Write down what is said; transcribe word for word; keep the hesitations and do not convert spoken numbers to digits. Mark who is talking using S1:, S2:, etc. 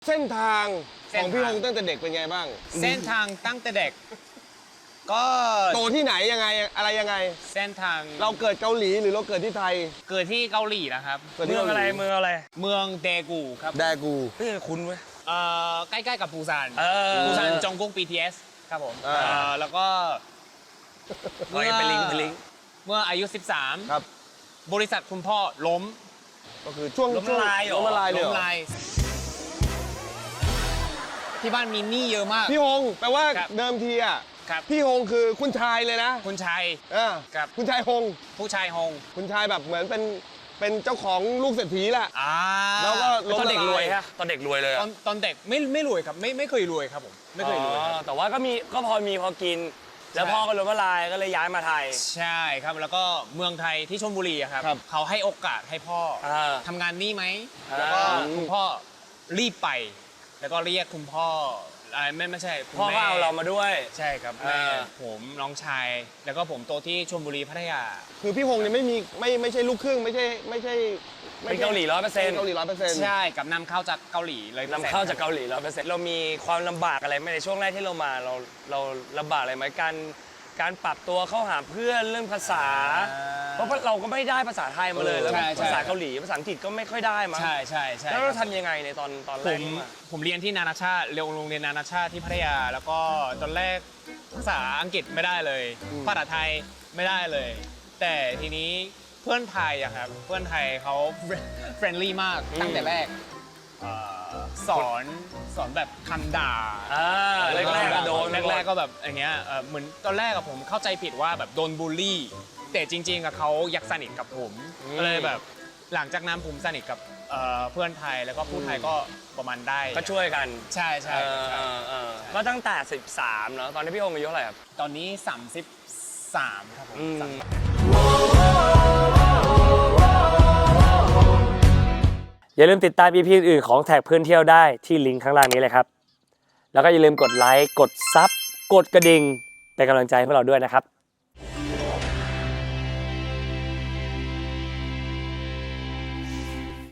S1: เส้นทางของพี่ฮงตั้งแต่เด็กเป็นไงบ้าง
S2: เส้นทางตั้งแต่เด็กก็
S1: โตที่ไหนยังไงอะไรยังไง
S2: เส้นทาง
S1: เราเกิดเกาหลีหรือเราเกิดที่ไทย
S2: เกิดที่เกาหลีนะครับ
S1: เมืองอะไร
S3: เมืองอะไร
S2: เมืองเดกูครับ
S1: แดกู
S3: เฮ้ยคุ้นเว้ย
S2: เอ่อใกล้ๆกับปูซาน
S3: เออ
S2: ปูซานจงกุ๊ก บี ที เอส ครับผม
S1: อ่า
S2: เอ่อแล้วก็เมื่อ
S3: เป็นลิงก์เป็นลิงก์
S2: เมื่ออายุสิบสาม
S1: ครับ
S2: บริษัทคุณพ่อล้ม
S1: ก็คือช่วง
S3: ล้มละลายเหรอ
S1: ล้มละลายเลยเหร
S2: ล้ม
S1: อ
S2: ลายที่บ้านมีหนี้เยอะมาก
S1: พี่ฮงแปลว่า
S2: ครับ
S1: เดิมทีอ่ะ
S2: ครับ
S1: พี่ฮงคือคุณชายเลยนะ
S2: คุณชาย
S1: อ่า
S2: ครับ
S1: คุณชายฮง
S2: ผู้ชายฮง
S1: คุณชายแบบเหมือนเป็นเป็นเจ้าของลูกเศรษฐีแหละ
S2: อ่า
S1: แล้วก็ล้ม
S3: ตอน
S1: ละ
S3: เด็ก
S1: ลาร
S3: วย
S1: ย
S3: ฮะตอนเด็กรวยเลย
S2: ต
S3: อะ
S2: อนตอนเด็กไม่ไม่รวยครับไม่ไม่เคยรวยครับผมไม่เคยรวยครับ
S3: อ๋อแต่ว่าก็มีก็พอมีพอกิน แล้ว
S2: ใช่
S3: พ่อก็ล้มละลายก็เลยย้ายมาไทย
S2: ใช่ครับแล้วก็เมืองไทยที่ชลบุรีอะครับ
S1: ครับ
S2: เขาให้โอกาสให้พ่อ
S3: อ่า
S2: ทำงานนี่ไหม
S3: อ่า
S2: แล้วก็คุณพ่อรีบไป แล้วก็เรียกคุณพ่ออะไรไม่ไม่ใช่คุณ
S3: พ่อก็
S2: แม่
S3: เอาเรามาด้วย
S2: ใช่ครับ
S3: อ่า
S2: แม่ผมน้องชาย แล้วก็ผมโตที่ชลบุรีพัทยา
S1: คือพี่ฮงเนี่ยไม่มีไม่ไม่ใช่ลูกครึ่งไม่ใช่ไม่ใช่ไม่
S3: เป็น
S1: ใช่
S3: เกาหลีร้อยเปอร์เซ็น
S1: เป็น
S3: ต์
S1: เกาหลีร้อยเปอร์เซ็นต์
S2: ใช่กับนำเข้าจากเกาหลีเลย
S3: นำเข้าจากเกาหลีร้อยเปอร์เซ็นต์เรามีความลำบากอะไรไหมในช่วงแรกที่เรามาเราเราลำบากอะไรไหมการการปรับตัวเข้าหาเพื่อนเรื่องภาษา เพราะเราก็ไม่ได้ภาษาไทยมาเลยแล้วภาษาเกาหลีภาษาอังกฤษก็ไม่ค่อยได้มั้ง
S2: ใช่ใช่ใช่
S3: แล้วเราทำยังไงในตอนตอนแร
S2: ผ
S3: ก
S2: ม
S3: ที่มา
S2: ผมเรียนที่นานาชาติเรียนโรงเรียนนานาชาติที่พัทยา แล้วก็ตอนแรกภาษาอังกฤษไม่ได้เลย ภาษาไทยไม่ได้เลย แต่ทีนี้เพื่อนไทยอะครับเพื่อนไทยเขาเฟรนลี่มากตั้งแต่แรกเอ่อสอนสอนแบบคำด่า
S3: อ่าแรกๆก็โดน
S2: แรกๆก็แบบอย่างเงี้ยเอ่อเหมือนตอนแรกอะผมเข้าใจผิดว่าแบบโดนบูลลี่ แต่จริงๆอะเขาอยากสนิทกับผมก็เลยแบบหลังจากนั้นผมสนิทกับเอ่อเพื่อนไทยแล้วก็พูดไทยก็ประมาณได้
S3: ก็ช่วยกัน
S2: ใช่ใช่
S3: เออ
S2: ใช่
S3: เออเออก็ตั้งแต่สิบสามเนาะตอนนี้พี่โองอายุเท่าไหร่ครับ
S2: ตอนนี้สามสิบสามครับผม
S3: อืม
S2: สามสิบ
S3: อย่าลืมติดตาม อี พี อื่นๆของแท็กเพื่อนเที่ยวได้ที่ลิงก์ข้างล่างนี้เลยครับ แล้วก็อย่าลืมกดไลค์ กดซับ กดกระดิ่งเป็นกำลังใจให้พวกเราด้วยนะครับ